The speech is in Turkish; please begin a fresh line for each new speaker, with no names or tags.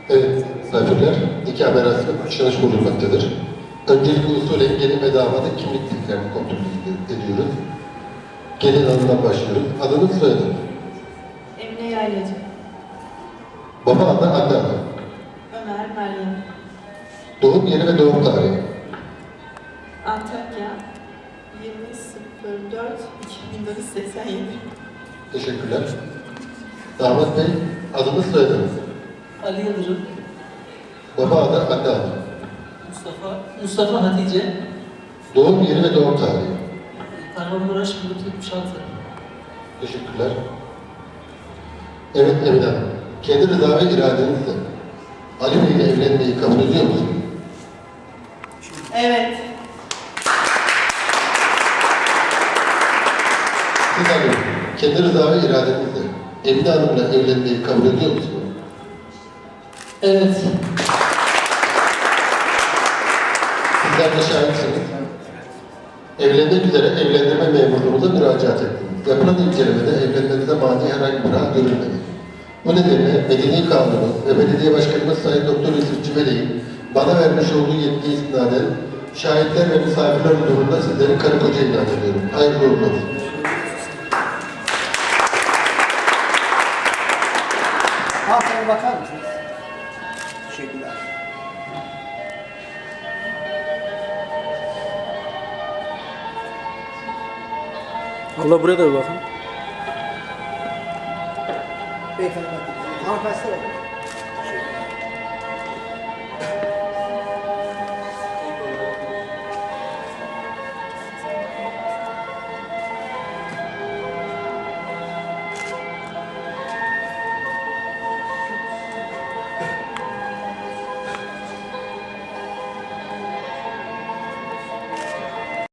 Evet, misafirler, nikah merasimi kutsanış bulunmaktadır. Öncelikle usulen gelin ve damadın kimlik bilgilerini kontrol ediyoruz. Gelin hanımdan başlıyoruz. Adınız, soyadınız.
Emine Yaylacı.
Baba adı, anne adı.
Ömer Meryem.
Doğum yeri ve doğum tarihi.
Antakya 20.04.1987.
Teşekkürler. Damat Bey, adınız, soyadınız.
Ali Yıldırım,
Baba adı, anne adı.
Mustafa Hatice,
Doğum yeri ve doğum tarihi.
Kahramanmaraş 1976.
Teşekkürler. Evet Emine Hanım, kendi rıza ve iradenizle Ali Bey ile evlenmeyi kabul ediyor musunuz?
Evet.
Siz Ali Bey, kendi rıza ve iradenizle Emine Hanım'la evlenmeyi kabul ediyor musunuz?
Evet.
Sizler de şahitsiniz. Evlenmek üzere evlendirme memurluğumuza müracaat ettiniz. Yapılan incelemede evlenmenize mani herhangi bir hal görülmedi. Bu nedenle Medeni Kanunu ve Belediye Başkanımız Sayın Doktor Yusuf Cibeli'nin bana vermiş olduğu yetki istinaden şahitler ve misafirler huzurunda sizleri karı koca ilan ediyorum. Hayırlı uğurlu olsun.
Hanımefendi bakar mısınız? Teşekkürler.
Allah buraya da bir bakın.
Beyefendi bakın. Hanımefendi size bakın.